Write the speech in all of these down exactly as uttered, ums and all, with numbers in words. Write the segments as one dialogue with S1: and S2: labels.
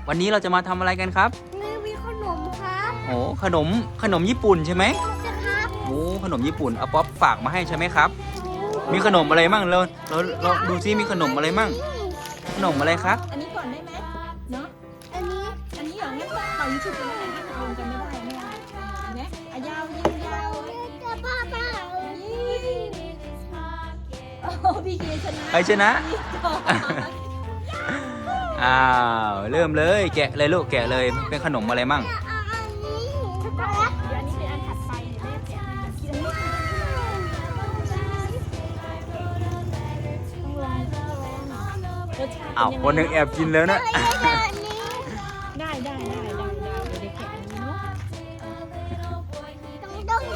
S1: วันนี้เราจะมาทำอะไรกันครับ
S2: มีมีขนมครับ
S1: โอ้ขนมขนมญี่ปุ่นใช่ไหม
S2: ใช่ครับ
S1: โอ้ขนมญี่ปุ่นเอาป๊อปฝากมาให้ใช่ไหมครับมีขนมอะไรมั่งเราเราเราดูซิมีขนมอะไรมั่งขนมอะไรครับ
S3: อันนี้ก่อนได้ไหมเนาะ
S2: อันนี้
S3: อันนี้อย่างนี้ก็เป่ายิงฉุบเลยนะถ้าจะลงกันไม่ได้ไม่ได้เห็นไหมอ่ะยาวยิงยาว
S2: จะป้าป้า
S3: โอ้พี่เกชนะ
S1: ใครชนะอ้าวเริ่มเลยแกะเลยลูกแกะเลยเป็นขนมอะไรมั่ง
S2: อันนี้
S3: เดี๋ยวอันนี้เป็นอันถัดไปแม่แกะให้กินอันนี้ต้องลองรสชาติ
S1: อ้าวคนหนึ่งแอบกินแล้วนะ
S3: ได้ได้ได้ได้ได้เดี๋ยวเด็กแกะอันนี้เนาะ
S2: ต้องต้อง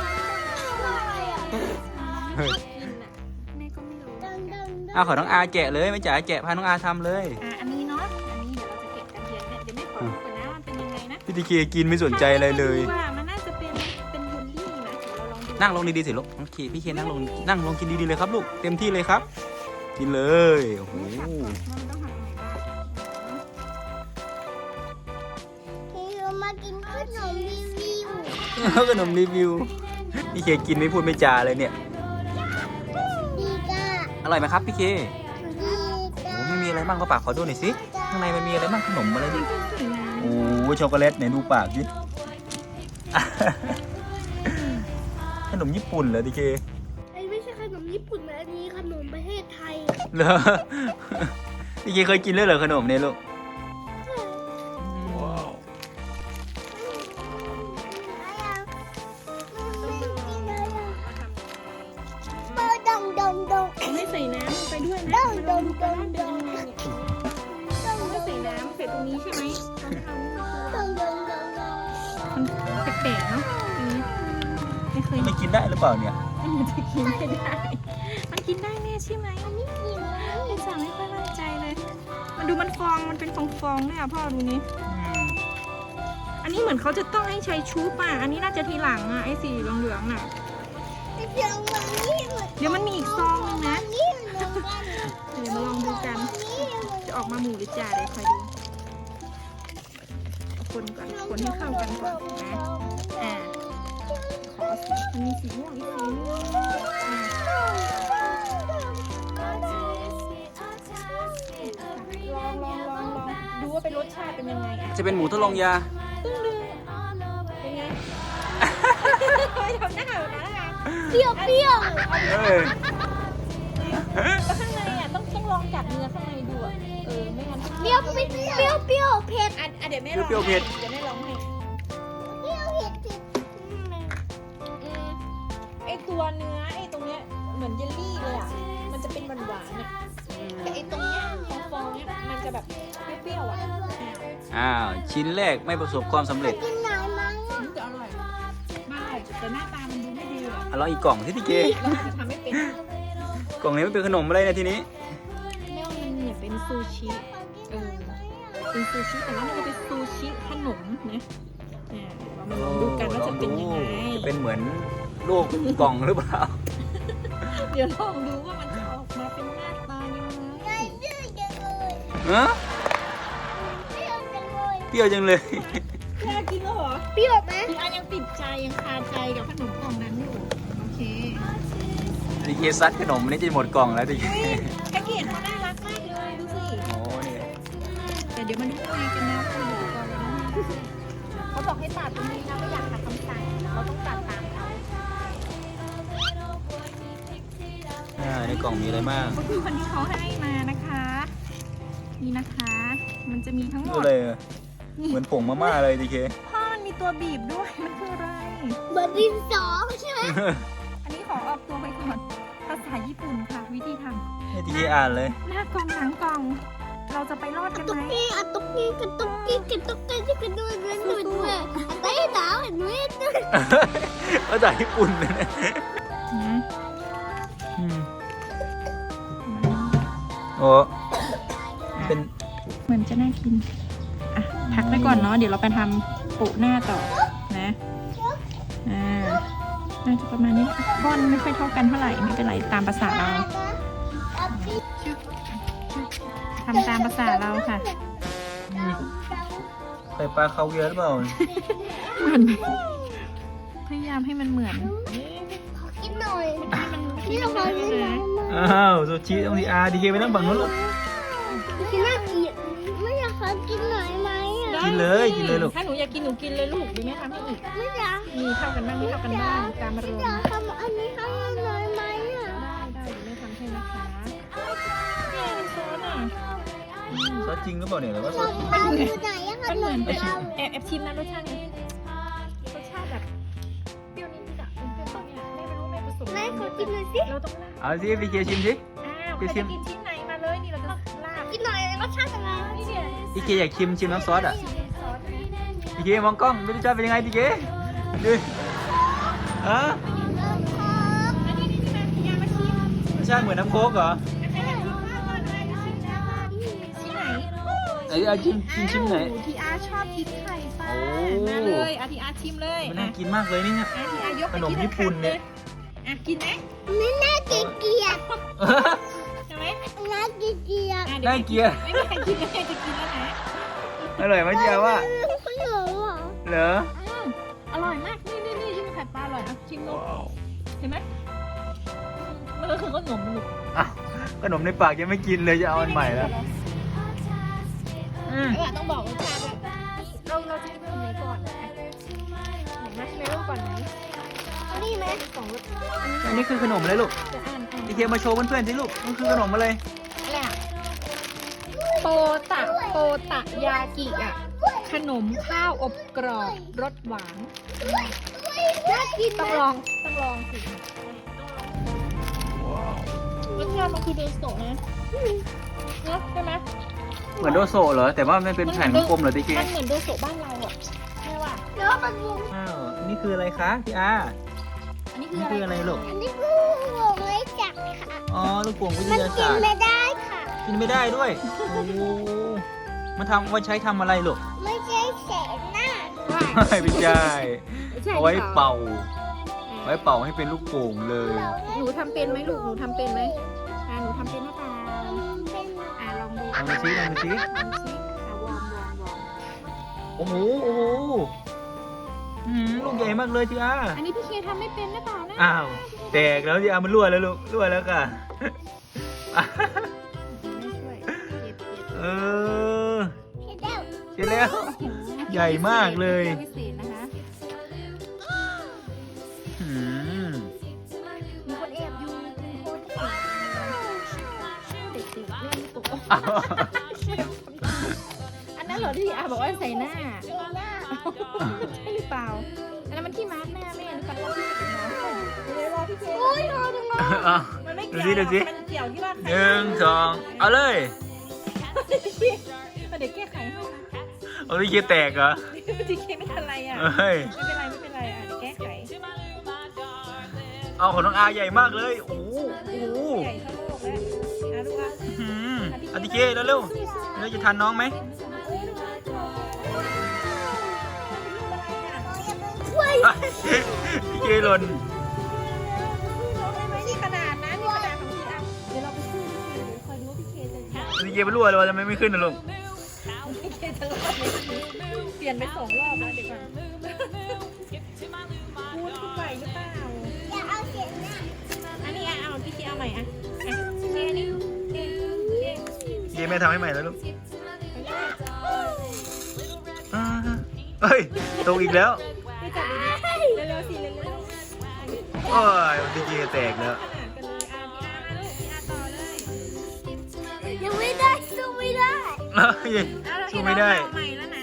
S1: เฮ้ย
S3: แม่ก็ไม่รู้
S2: ต้องต้อง
S1: อ้าวขอน้องอาแกะเลยไม่จ๋าแกะพาน้องอาทำเลย
S3: อ่ะอันนี้เนาะอันนี้เดี๋ยวเราจะเก็บกันเดี๋ยวแม่เดี๋ยวแม่ขอดูก่อนนะมันเป็นยังไงนะ
S1: พี่ทีเคกินไม่สนใจอะไรเลย
S3: ว่ามันน่าจะเป็นเป็นเยลลี่นะเดี๋ยวเราลองดู
S1: นั่งลงดีๆสิลูกน้องเคพี่เคนั่งลงนั่งลงกินดีๆเลยครับลูกเต็มที่เลยครับ กินเลยโอ้โห
S3: มันต้องหาไหนบ้าง
S2: ที่เรามากินขนมรีวิว
S1: ขนมรีวิวพี่เคกินไม่พูดไม่จาเลยเนี่ย
S2: ดีก้า
S1: อร่อยไหมครับพี่เค
S2: ดี
S1: โอ้
S2: ก้า
S1: ไม่มีอะไรบ้างก็ปากขอดูหน่อยสิข้างในมันมีอะไรบ้างขนมอะไรนี่โอ้ช็อกโกแลตไหนดูปากสิ ขนมญี่ปุ่นเหรอพี่เค
S2: ไอ้ไม่ใช่ขนมญี่ปุ่นนะอันนี้ขนมประเทศไทย
S1: เหรอพี่เคเคยกินเลยเหรอขนมเนี่ยลูกว้าว
S2: ดองดองดอง
S3: ไม่ใส่น้ำไปด้วยนะ
S2: ดองดองดอง
S3: เป็นยังไงเนี่ยต้องไม่ใส่น้ำใส่ตรงนี้ใช่ไหมต้องทำ
S2: ดองดองดอง
S3: มันแปลกๆเนาะไม่เคย
S1: ไม่กินได้หรือเปล่าเนี่ย
S3: มันจะกินไม่ได้ มันกินได้แน่ใช่ไหม
S2: อันนี้กิน
S3: ไอ้สั่งไม่ค่อยมั่นใจเลย มันดูมันฟองมันเป็นฟองๆเลยอ่ะพ่อดูนี่อันนี้เหมือนเขาจะต้องให้ใช้ชูป่ะอันนี้น่าจะทีหลังอ่ะไอ้สีเหลืองๆน่ะ
S2: เดี๋ยววันนี้เหมือน
S3: เดี๋ยวมันมีอีกซองนึงนะ
S2: นี่เหมือนกัน
S3: เดี๋ยวมาลองดูกัน
S2: นี่เหมือน
S3: จะออกมาหมูหรือจ่าเดี๋ยวคอยดูเอาคนก่อนคนให้เข้ากันก่อนนะอ่าขอสีมันมีสีม่วงอีกสีนึงอ่าลองลองลองลองดูว่าเป็นรสชาติเป็นยังไงอ่ะ
S1: จะเป็นหมูทดลองยา
S3: ตึ้งดึงเป็นไงทำหน้าแบบนั้นนะคะ
S2: เปรี้ยวเปรี้ยว
S1: เอ้ย
S3: แล้วข้างในอ่ะต้องต้องลองกัดเนื้อข้างในดูอ่ะเออไม่งั้น
S2: เปรี้ยวเปรี้ยวเปรี้ยวเผ็ด
S3: อ่ะอ่ะเดี๋ยวแม่ลองเดี๋ยวแม่ลองให้
S2: เปรี้ยวเผ็ดเผ็ด
S3: อืมไอตัวเนื้อไอตรงเนี้ยเหมือนเยลลี่เลยอ่ะ มันจะเป็นหวานหวานๆอ่ะแต่ไอตรงเนี้ยฟองๆเนี้ยมันจะแบบเปรี้ยวๆอ่ะ
S1: อ้าวชิ้นแรกไม่ประสบความสำเร็จ
S2: กินไหนมั้ง
S3: มันจะอร่อยมากแต่หน้าตามันดูไม่ดีอ่ะ
S1: เอาลองอีกกล่องที่พี่เค
S3: เราอาจจะทำไม่เป็น
S1: กล่องนี้มันเป็นขนมอะไรนะทีนี้
S3: ไม่ว่ามันเนี่ยเป็นซูชิเออเป็นซูชิแต่ว่ามันจะเป็นซูชิขนมนะอ่าเรามาลองดูกันว่าจะเป็นยังไง
S1: จะเป็นเหมือนลูกกล่องหรือเปล่า
S3: เดี๋ยวลองดูว่ามันจะออกมาเป็นหน้าตายังไง
S2: เปรี้ยวจังเลย
S1: เออ
S2: เปรี้ยวจังเลย
S1: เปรี้ยวจังเลย
S3: แค่กินแล้วเหรอ
S2: เปรี้ยวไหม
S3: พี่อายังติดใจยังคาใจกับขนมกล่องนั้นอยู่โอเค
S1: ทีเคซัดขนมนี่จะหมดกล่องแล้วทีเค
S3: แพ็กเกจเขาน่ารักมากเลยดูสิ
S1: โอ้ย
S3: แต่เดี๋ยวมาดูข้างในกันนะว่ามันอยู่ก่อนเลยนะเขาบอกให้ตัดตรงนี้นะไม่อยากขัดคำสั่งเราต้องตัดตามเขา
S1: อ่าในกล่องมีอะไรบ้าง
S3: ก็คือคนที่เขาให้มานะคะนี่นะคะ มันจะมีทั้งหม
S1: ดู
S3: ด
S1: เลยอะเหมือนผงมาม่าเลยทีเค
S3: พ่อมันมีตัวบีบด้วยมันคืออะไร
S2: เหมือนดินสอใช่ไหม
S3: อันนี้ขอออกตัวไปก่อนภาษาญี่ปุ่นค่ะ วิธีท
S1: ให้ทีเคอ่านเลย
S3: ำหน้ากล่องหลังกล่อง เราจะไปรอดกัน
S2: ตุ๊
S3: ไห
S2: ก
S3: ม
S2: กี้อะตุ๊กกี้กันตุ๊กกี้กันตุ๊กกี้ที่กันด้วยกันด้วยด้วยอันไหนหนาวเห็นไหม
S1: ภาษาญี่ปุ่นเลยนะ
S3: อืม
S1: อืมโอ้เป็น
S3: เหมือนจะน่ากิน อ่ะ พักไว้ก่อนเนาะ เดี๋ยวเราไปทำปุหน้าต่อ นะ อ่า น่าจะประมาณนี้ก้อนไม่ค่อยเท่ากันเท่าไหร่ ไม่เป็นไรตามภาษาเราทำตามภาษาเราค่ะ
S1: อืมไข่ปลาคาเวียร์หรือเปล่า
S3: เหมือนไหมพยายามให้มันเหมือน
S2: ขอกินหน่อย
S3: ที่
S2: นี่
S3: มัน
S2: เราขอกินหน่อย
S1: อ้าวซูชิต้องทีอาร์ดีเคไปนั่งฝั่งนู้นลูก
S2: กินน่าเกลียดไม่อยากขอกินหน่อยไหมอ่ะ
S1: กินเลยกินเลยลูก
S3: ถ้าหนูอยากกินหนูกินเลยลูกดีไหมทำให้อีก
S2: ไม่อยาก
S3: มีเท่ากันบ้างไม่เท่ากันบ้างตามอารมณ์
S2: อยากทำอันนี้ให้หน่อยไหมอ่ะ
S3: ได้ได้เดี๋ยวแม่ทำให้นะคะเนี่ยซอสอ่ะ
S1: ซอสจริงหรือเปล่าเนี่ยหรือว่าซ
S2: ข
S1: อ
S2: อ
S1: ส
S2: งเราอยู่ไหนอะข
S3: มัน
S2: น
S3: เหมือน
S2: มเรา
S3: แอบแอบชิมนะรสชาตินี้รสชาติแบบเปรี้ยวนิดๆอ่ะเป็นเปรี้ยวเนี่ยแม่ไม่รู้แม่ผสม
S2: แม่ขอกินหน่อยสิ
S3: เราต้องลาบ
S1: เอาสิดีเคชิมสิ
S3: อ้าวใครจะกินชิ้นไหนมาเลยนี่เราจะลาบ
S2: กินหน่อยรสชาติยังไง
S3: นี่เนี่ย
S1: ดีเคอยากชิมชิมน้ำซอสอ่ะ
S3: ชิมซอสนะ
S1: ดีเคมองกล้องไม่รู้จะเป็นยังไงดีเคดูอ่ะ
S3: อันนี้นี่นี่มาอยามาชิม
S1: รสชาติเหมือนน้ำโค้กเหรอ
S3: ใครอยากกินข้าวก่อนเลยชิมนะชิ้นไหน
S1: ไหนเอาชิมชิมชิมไหน
S3: อ้าวทีอาร์ชอบกินไข่ปลา
S1: โอ้
S3: มาเลยอาทีอาร์ชิมเลย
S1: มันน่ากินมากเลยนี่เนี่ย
S3: อาทีอาร์ยกไป
S1: ขนม
S3: ที่
S1: ญี่ปุ่นเนี่ย
S3: อ่ะกินไหม
S2: ไม่น่าเกลียด
S3: ใช่ไหม
S2: น่าเกลียด
S3: อ่ะดี๋ว
S1: น่าเกลียด
S3: ไม่มีใครกินไม่มีใครจะกินแล้วนะ
S1: อร่อยไหมเจียว่า
S2: ขนมเหรอ
S1: เหรอ
S3: อืมอร่อยมากนี่นี่นี่ชิมไข่ปลาอร่อยอ่ะชิมดูเห็นไหมมันก็คือขนมลูก
S1: อ้าวขนมในปากยังไม่กินเลยจะเอาอันใหม่แล้วอืม
S3: เออต้องบอกรสชาติด้วยเราเราจะกินขนมไหนก่อนนะไหนมาชิมเริ่มก่อนไหม
S2: อันนี้ไหม
S3: สองรส
S1: อันนี้คือขนมอะไรลูก
S3: จะอ่านอ่าน
S1: ดีเคมาโชว์เพื่อนๆสิลูกมันคือขนมอะไร
S3: อะไรอ่ะโปตะโปตะยากิอ่ะขนมข้าวอบกรอบรสหวาน
S2: น่ากิน
S3: ต้องลองต้องลองสิรสชาติมันคือโดโซะนะเนาะใช่ไหม
S1: เหมือนโดโซะเหรอแต่ว่ามันเป็นแผ่นกลมๆเหรอดีเค
S3: มันเหมือนโดโซะบ้านเราอ่ะใช่ป่ะ
S2: แล้วมันวง
S1: อ้าวอันนี้คืออะไรคะพี่อา
S3: อันนี้
S1: อันนี้คืออะไรลูก
S2: อันนี้คือวงไว้จับค่ะ
S1: อ๋อลูกโป่งวิท
S2: มัน
S1: ยา
S2: กิน
S1: ศาสตร์
S2: ไม่ได้ค่ะ
S1: กินไม่ได้ด้วยโอ้โหมันทำไว้ใช้ทำอะไรลูก
S2: ไม่ใช่แสงหน้า
S1: ไม่ใช่
S3: ใช่
S1: เอาไว้
S3: หรอ
S1: เป่า ไว้เป่าให้เป็นลูกโป่งเลย
S3: หนูทำเป็นไหมลูกหนูทำเป็นไหมอ่าหนูทำเป็นหรือเปล่า
S2: เป็น
S3: อ่าลองดู
S1: ลองดูซิลองดูซิ
S3: ลองดูสิอ่าวอร์มวอร์มวอร์ม
S1: โอ้โหโอ้โหอืมลูกใหญ่มากเลยทีอา
S3: อันนี้พี่เคทำไม่เป็นหรือเปล่านะ
S1: อ้าวแตกแล้วทีอามันรั่วแล้วลูกรั่วแล้วค่ะ
S3: ไม่ช่วยเก็บเก็บ
S1: เออ
S2: เห็นแล้ว
S1: เสร็จแล้ว ใหญ่มากเลย
S3: พิเศษนะคะ
S1: อืม
S3: มีคนแอบอยู่มีคนแอบเด็กๆเล่นลูกโป่ง
S1: อ้าว
S3: อันนั้นเหรอที่อาบอกว่าใส่หน้า
S2: เห็นแล้ว
S3: ใช่หรือเปล่า อันนั้นมันที่มาร์กหน้าแม่หรือเปล่าที่เป็นน้องเดี๋ยวรอพี่เค
S2: โอ้ยนอนนอน
S1: อ้าว
S3: มันไม่
S1: ดู
S3: เกี่ยว
S1: สิดูสิ
S3: มันเกี่ยวที่ว่า
S1: หนึ่งสองเอาเลย
S3: เดี๋ยวแก้ไขให้นะ
S1: เอาที่เคียแตกเหรอ
S3: พี่เคไม่เป็นไรอ่ะ
S1: เฮ้ย
S3: ไม่เป็นไรไม่เป็นไรอ่ะเดี๋ยวแก้ไข
S1: เอาของน้องอาใหญ่มากเลยโอ้โหโอ้โห
S3: ใหญ่เท่าโลกแล้วนะดูว่า
S1: อืมเอาทีเคแล้วเร็วเราจะทันน้องไหม
S2: ช่วย
S1: ทีเคหล่น
S3: นี่ขนาดนะนี่ขนาดของพี่อ่ะเดี๋ยวเราไปสู้พี่เคเดี๋ยวคอยดูว่าพี่เคจะชนะ
S1: ทีเคไปรั่วเลยทำไมไม่ขึ้นนะลุง
S3: พี่เคจะรอดไหมเปลี่ยนไปสองรอบแล้วเดี๋ยวก่อนพูดพูดไหวหรือเปล่า
S2: อย่าเอาเสียงหน้า
S3: อันนี้อ่ะเอาพี่เคเอาใหม่อ่ะอ่ะเคนี่เคเค
S1: ทีเคแม่ทำให้ใหม่แล้วลูกอ่าเฮ้ยตกอีกแล้ว
S3: ไปจับดูดิเร็วๆสิเร็วๆ
S1: โอ้ยทีเคแตกแล้ว
S3: ขนาดกันเลยอ่ะพี่อาร์มาลูกพี่อาร์ต่อเลย
S2: ยังไม่ได้สู้ไม่ได้
S1: เฮ้ย
S3: เอาเรา
S1: สู้ไม่ได้
S3: ใหม่แล้วนะ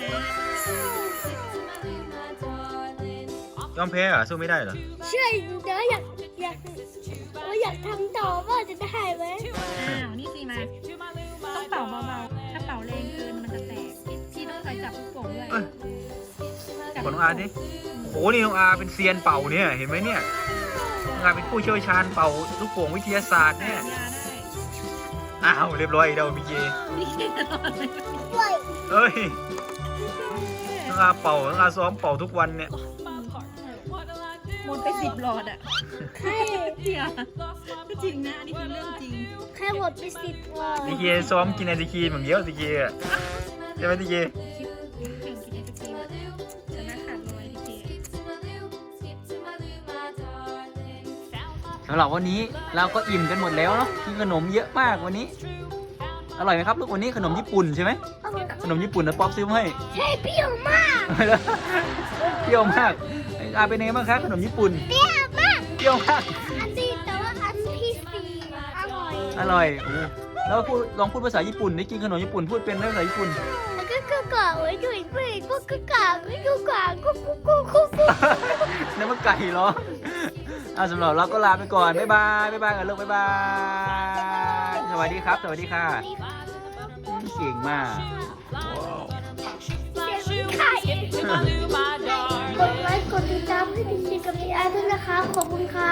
S1: ยอมแพ้เหรอสู้ไม่ได้เหรอ
S2: ใช่เดี๋ยวอยากอยากว่าอยากทำต่อว่าจะได้ไหม
S3: อ้าวนี่สิมาต้องเป่าเบาๆถ้าเป่าแรงเกินมันจะแตกพี่ต้องคอยจับลูกโป่งด้วย
S1: เอ้ย
S3: จับ
S1: ขอน้องอาดิโอ้นี่น้องอาเป็นเซียนเป่าเนี่ยเห็นไหมเนี่ยน้องอาเป็นผู้เชี่ยวชาญเป่าลูกโป่งวิทยาศาสตร์เนี่ย
S3: ยาได้
S1: อ้าวเรียบร้อยอีกแล้วพี่เจ
S3: พี่เคจะรอดไหม
S2: ช่วย
S1: เฮ้ยน้องอาเป่าน้องอาซ้อมเป่าทุกวันเนี่ย
S3: หมดไปสิบหลอดอ่ะ
S2: ใคร
S3: เดี๋ยวก็จริงนะอันนี้คือเรื่องจริง
S2: ใครหมดไปสิบวัน
S1: ทีเคซ้อมกินไอติคีเหมือนเดียวทีเคอะใช่ไหมทีเค
S3: คิดแข่งกินไอศ
S1: สำหรับวันนี้เราก็อิ่มกันหมดแล้วเนาะกินขนมเยอะมากวันนี้อร่อยไหมครับลูกวันนี้ขนมญี่ปุ่นใช่ไหมขนมญี่ปุ่นนะป๊อปซื้อมาให้
S2: ใช่เปรี้ยวมาก
S1: เปรี้ยวมากอาเป็นไงบ้างครับขนมญี่ปุ่น
S2: เปรี้ยวมาก
S1: เปรี้ยวมาก
S2: อันนี้แต่ว่าอันที่สี่อร่อย
S1: อร่อยโอ้แล้วพูดลองพูดภาษาญี่ปุ่นได้กินขนมญี่ปุ่นพูดเป็นไหมภาษาญี่ปุ่น
S2: แล้วก็กกอกไว้ด้วยด้วยก็กกอกไว้กกอกกุ๊กกุ๊กกุ๊กกุ๊กกุ๊ก
S1: นั่นมันไก่เหรอเอาสำหรับเราก็ลาไปก่อน บ๊ายบาย บ๊ายบายกันลูกบ๊ายบาย สวัสดีครับ สวัสดีค่ะเก่งมาก
S2: กดไลค์กดติดตามให้พี่ชิกับพี่อาร์ด้วยนะคะขอบคุณค่ะ